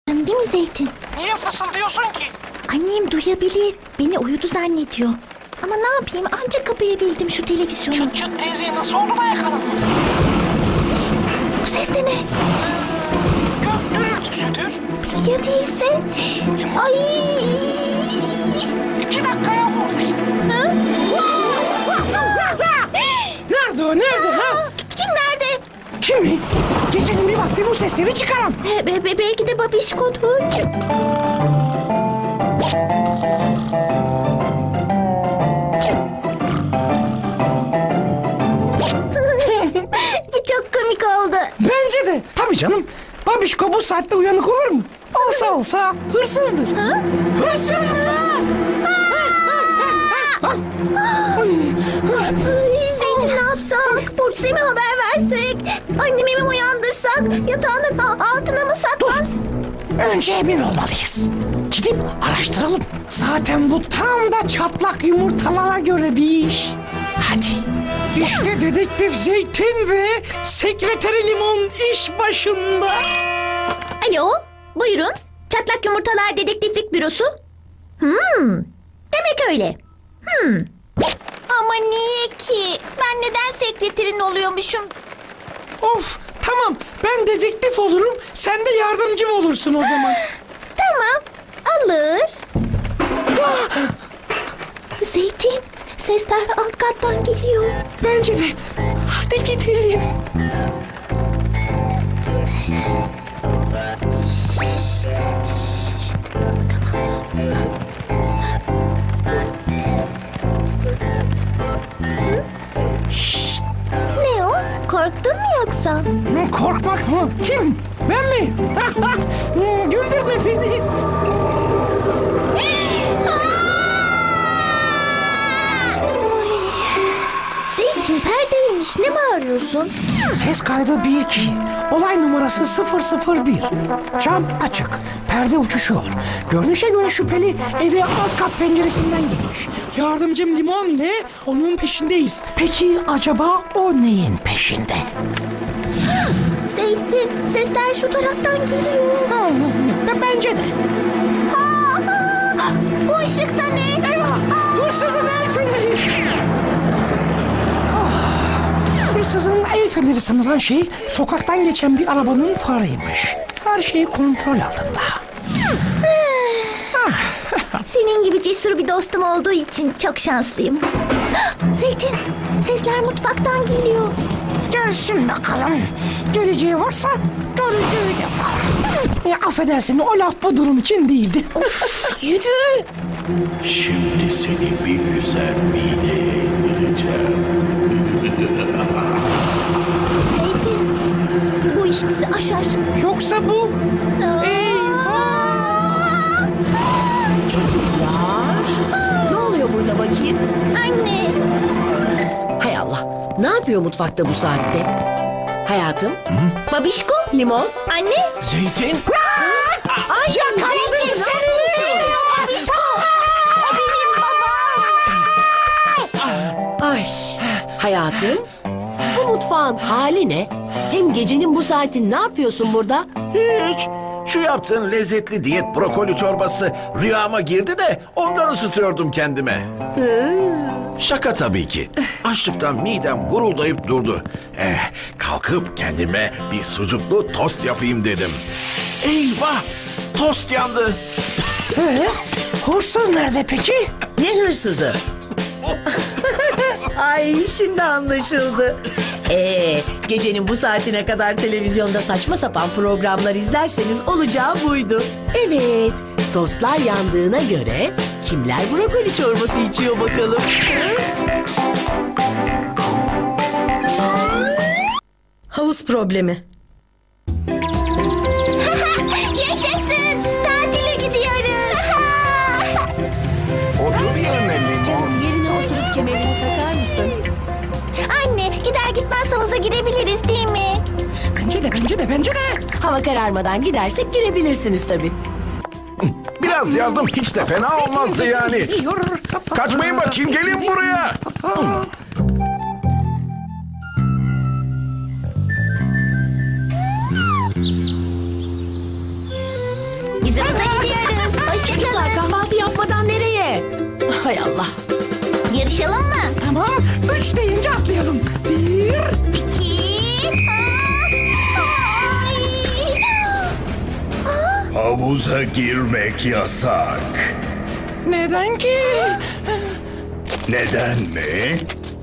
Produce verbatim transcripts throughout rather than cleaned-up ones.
Değil mi Zeytin? Niye fısıldıyorsun ki? Annem duyabilir. Beni uyudu zannediyor. Ama ne yapayım, ancak kapayabildim şu televizyonu. Çıt çıt teyzeyi nasıl oldu da yakaladın? Bu ses de ne? Gök gürültüsüdür. Ya değilse? Ay! İki dakikaya buradayım. Ha? Nerede o, nerede ha? Kim nerede? Kim mi? Gecenin bir vakti bu sesleri çıkaran. Be- be- be- belki de babişkodur. Bu çok komik oldu. Bence de. Tabii canım. Babişko bu saatte uyanık olur mu? Olsa olsa hırsızdır. Ha? Hırsız mı? Ay, Zeytin ne yapsak? Burcu'ya mi haber versek? Annemi mi uyandırsak? Yatağının a- altına mı saklansak? Önce emin olmalıyız. Gidip araştıralım. Zaten bu tam da çatlak yumurtalara göre bir iş. Hadi. İşte dedektif Zeytin ve sekreteri Limon iş başında. Alo, buyurun. Çatlak Yumurtalar Dedektiflik Bürosu. Hmm, demek öyle. Hmm. Ama niye ki? Ben neden sekreterin oluyormuşum? Of, tamam, ben dedektif olurum, sen de yardımcım olursun o zaman. Tamam, alır. Zeytin, sesler alt kattan geliyor. Bence de. Hadi gidelim. Şşt, Ne o? Korktun mu yoksa? korkmak mı? Kim? Ben mi? Güldürme beni. Zeytin perdeymiş, ne bağırıyorsun? Ses kaydı bir iki. Olay numarası sıfır sıfır bir. Cam açık. Perde uçuşuyor. Görünüşe göre şüpheli eve alt kat penceresinden girmiş. Yardımcım Limon ile onun peşindeyiz. Peki acaba o neyin peşinde? Zeytin, sesler şu taraftan geliyor. Ha, b- bence de. Aa, aa, bu ışık da ne? Eyvah! Hırsızın el feneri! Ah, hırsızın el feneri sanılan şey sokaktan geçen bir arabanın farıymış. Her şey kontrol altında. Senin gibi cesur bir dostum olduğu için çok şanslıyım. Zeytin, sesler mutfaktan geliyor. Gelsin bakalım. Geleceği varsa göreceği de var. Ya affedersin, o laf bu durum için değildi. Yürü. Şimdi seni bir güzel mideye indireceğim. Zeytin, bu iş bizi aşar. Yoksa bu... Çocuklar, ne oluyor burada bakayım? Anne. Hay Allah, ne yapıyor mutfakta bu saatte? Hayatım, Babişko. limon. Anne. Zeytin? Ay, Zeytin seni. Zeytin o Babişko. O benim babam. Ay, hayatım, bu mutfağın hali ne? Hem gecenin bu saati ne yapıyorsun burada? Hiç. Şu yaptığın lezzetli diyet brokoli çorbası rüyama girdi de ondan ısıtıyordum kendime. Şaka tabii ki. Açlıktan midem guruldayıp durdu. Eh, kalkıp kendime bir sucuklu tost yapayım dedim. Eyvah! Tost yandı. Ee, hırsız nerede peki? Ne hırsızı? Ay, şimdi anlaşıldı. Ee, gecenin bu saatine kadar televizyonda saçma sapan programlar izlerseniz olacağı buydu. Evet, tostlar yandığına göre kimler brokoli çorbası içiyor bakalım? Havuz problemi. Yaşasın. Tatile gidiyoruz. Otur yerine limon. Yerine oturup kemerini takar mısın? Anne, gider gitmez havuza girebiliriz değil mi? Bence de, bence de, bence de. Hava kararmadan gidersek girebilirsiniz tabii. Biraz yardım hiç de fena olmazdı yani. Kaçmayın bakayım, gelin buraya. Biz havuza gidiyoruz. Çocuklar Hoşçakalın. kahvaltı yapmadan nereye? Hay Allah. Yarışalım mı? Tamam. Üç deyince atlayalım. Bir. İki. Ay. Havuza girmek yasak. Neden ki? Neden mi?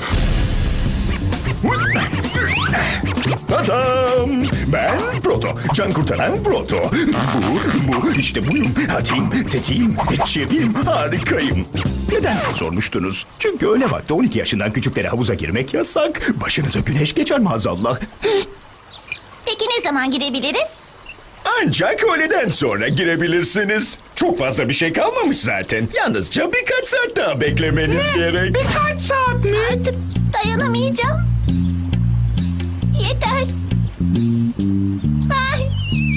Tadam! Ben Proto, can kurtaran Proto. Bu, bu, işte buyum. Hatim, tetiğim, çeviyim, harikayım. Neden diye sormuştunuz. Çünkü öğle vakti on iki yaşından küçüklere havuza girmek yasak. Başınıza güneş geçer maazallah. Peki ne zaman girebiliriz? Ancak öğleden sonra girebilirsiniz. Çok fazla bir şey kalmamış zaten. Yalnızca birkaç saat daha beklemeniz gerek. Birkaç saat mi? Artık dayanamayacağım. Yeter. Ay.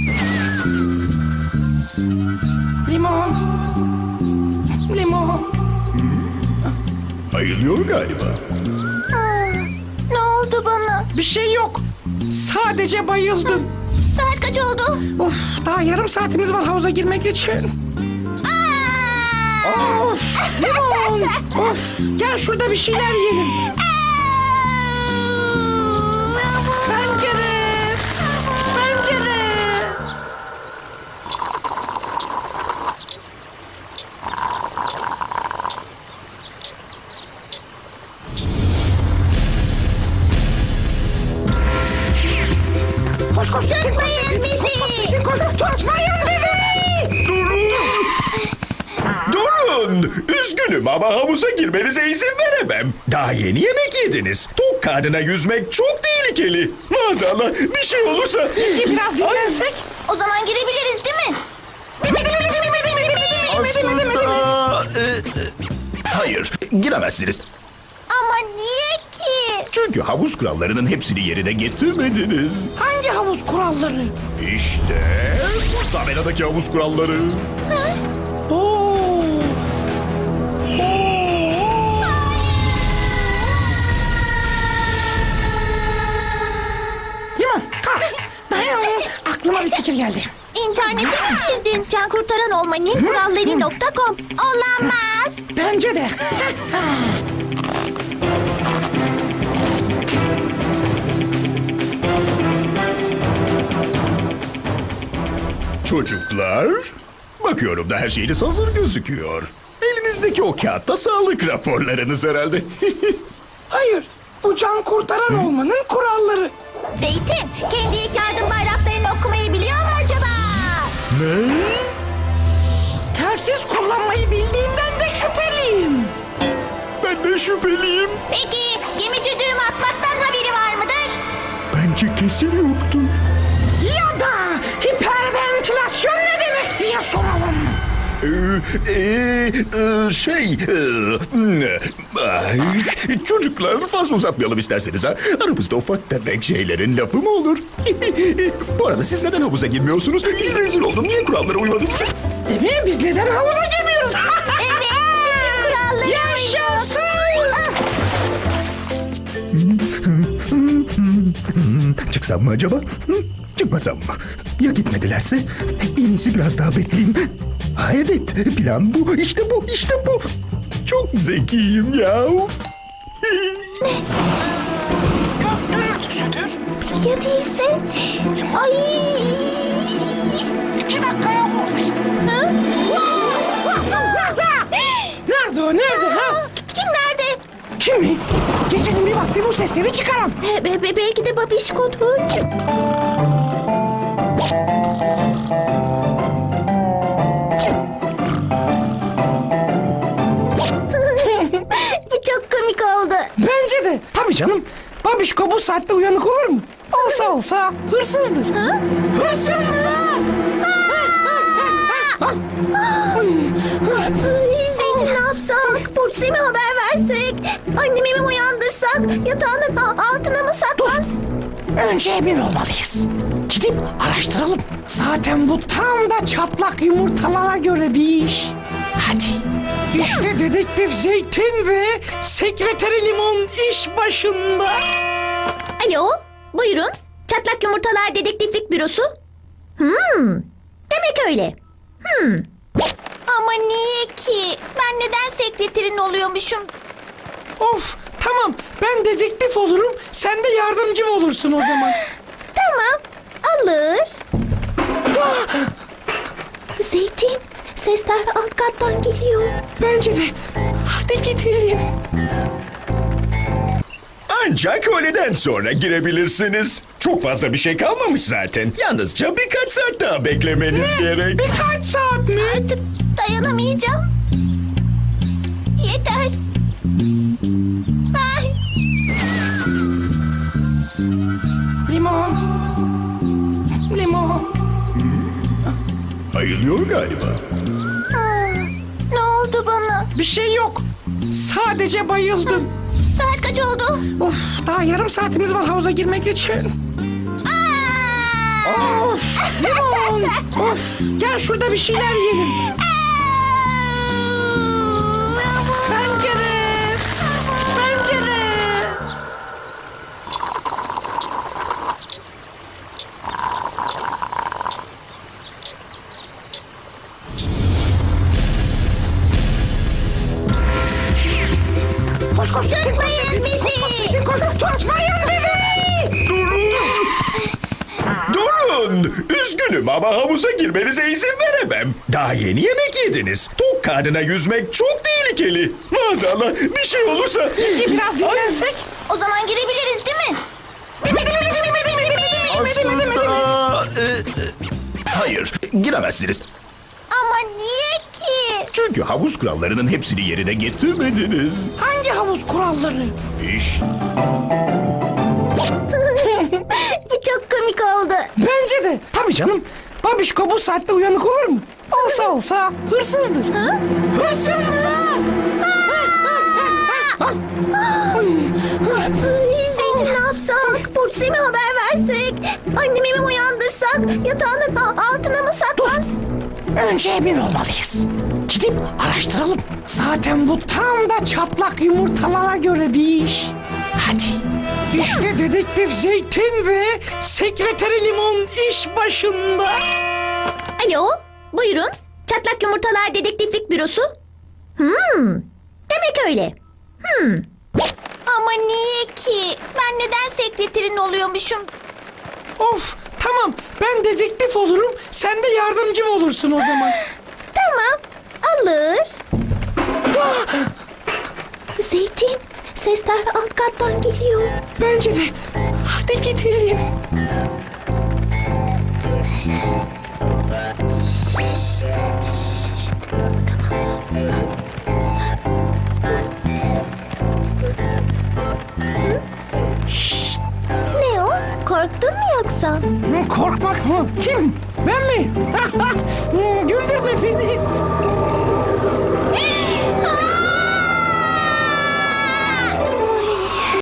Limon. Limon. Ayılıyor galiba. Aa, ne oldu bana? Bir şey yok. Sadece bayıldın. Saat kaç oldu? Of, daha yarım saatimiz var havuza girmek için. Aa! Of, limon. Of, gel şurada bir şeyler yiyelim. Pencere. Pencere. Koş koş. Tutmayın bizi. Tutmayın bizi. Durun! Durun! Üzgünüm ama havuza girmenize izin veremem. Daha yeni yemek yediniz. Tok karnına yüzmek çok tehlikeli. Maazallah bir şey olursa... Biraz dinlensek. O zaman girebiliriz değil mi? Değil mi, değil mi, değil mi, değil mi, değil mi, değil mi? Aslında... e, e, hayır, giremezsiniz. Ama niye ki? Çünkü havuz kurallarının hepsini yerine getirmediniz. Hangi havuz kuralları? İşte bu tabeladaki havuz kuralları. Oo. Limon, kalk. Dayan. Aklıma bir fikir geldi. İnternete mi girdin? Can kurtaran olmanın kuralları nokta com. Olamaz. Bence de. Çocuklar, bakıyorum da her şeyiniz hazır gözüküyor. Elinizdeki o kağıtta sağlık raporlarınız herhalde. Hayır, bu can kurtaran olmanın kuralları. Zeytin, kendi ilk yardım bayraklarını okumayı biliyor mu acaba? Ne? Telsiz kullanmayı bildiğimden de şüpheliyim. Ben de şüpheliyim. Peki, gemici düğüm atmaktan haberi var mıdır? Bence kesin yoktur. Ya da hiperventilasyon ne demek diye soralım. Ee, e, e, şey, e, ay, çocuklar fazla uzatmayalım isterseniz ha. Aramızda ufak tefek şeylerin lafı mı olur? Bu arada siz neden havuza girmiyorsunuz? Rezil oldum, niye kurallara uymadınız? Değil mi? Biz neden havuza girmiyoruz? Evet, bizim kuralları Yaşasın! Çıksam mı acaba? Hı? Çıkmasam mı? Ya gitmedilerse? En iyisi biraz daha bekleyeyim. Ha evet, plan bu, işte bu, işte bu. Çok zekiyim ya. Gök gürültüsüdür. Ya değilse? Ay! İki dakikaya buradayım. Ha? Nerede o? Nerede? Ha? Kim nerede? Kim mi? Gecenin bir vakti bu sesleri çıkaran. Be- be- belki de babişkodur. Bu çok komik oldu. Bence de. Tabii canım. Babişko bu saatte uyanık olur mu? Olsa olsa hırsızdır. Ha? Hırsız mı? Zeytin ne yapsak? Burcu'ya mi haber versek? Annemi mi uyandırsak? Yatağının a- altına mı saklansak? Önce emin olmalıyız. Gidip araştıralım. Zaten bu tam da çatlak yumurtalara göre bir iş. Hadi. İşte dedektif Zeytin ve sekreteri Limon iş başında. Alo, buyurun. Çatlak Yumurtalar Dedektiflik Bürosu. Hmm, demek öyle. Ama niye ki? Ben neden sekreterin oluyormuşum? Of tamam ben dedektif olurum sen de yardımcım olursun o zaman. Tamam, alır. Zeytin, sesler alt kattan geliyor. Bence de. Hadi gidelim. Ancak öğleden sonra girebilirsiniz. Çok fazla bir şey kalmamış zaten. Yalnızca birkaç saat daha beklemeniz gerek. Birkaç saat mi? Artık dayanamayacağım. Yeter. Ay. Limon. Limon. Ayılıyor galiba. Aa, ne oldu bana? Bir şey yok. Sadece bayıldın. Saat kaç oldu? Of daha yarım saatimiz var havuza girmek için. Aa! Of limon. Of gel şurada bir şeyler yiyelim. Pencere. Pencere. Koş koş. Tutmayın bizi! Tutmayın bizi. Durun! Durun! Üzgünüm ama havuza girmenize izin veremem. Daha yeni yemek yediniz. Tok karnına yüzmek çok tehlikeli. Maazallah bir şey olursa... Biraz dinlensek. O zaman girebiliriz değil mi? Değil mi, değil mi, değil mi, değil mi, değil mi, değil mi, değil mi, değil mi, değil mi? Aslında... e, e, hayır, giremezsiniz. Ama niye ki? Çünkü havuz kurallarının hepsini yerine getirmediniz. Hangi havuz kuralları? İş. Bu çok komik oldu. Bence de. Tabii canım. Babişko bu saatte uyanık olur mu? Olsa olsa hırsızdır. Ha? Hırsız mı? Zeytin ne yapsak? Burcu'ya mi haber versek? Annemi mi uyandırsak? Yatağının a- altına mı saklan? Önce emin olmalıyız. Gidip araştıralım. Zaten bu tam da çatlak yumurtalara göre bir iş. Hadi. İşte dedektif Zeytin ve sekreteri Limon iş başında. Alo, buyurun. Çatlak Yumurtalar Dedektiflik Bürosu. Hmm, demek öyle. Hmm. Ama niye ki? Ben neden sekreterin oluyormuşum? Of tamam ben dedektif olurum sen de yardımcım olursun o zaman. Tamam, alır. Zeytin, sesler alt kattan geliyor. Bence de. Hadi gidelim. Ne o? Korktun mu yoksa? Korkmak mı? Kim? Ben mi? Güldürme beni.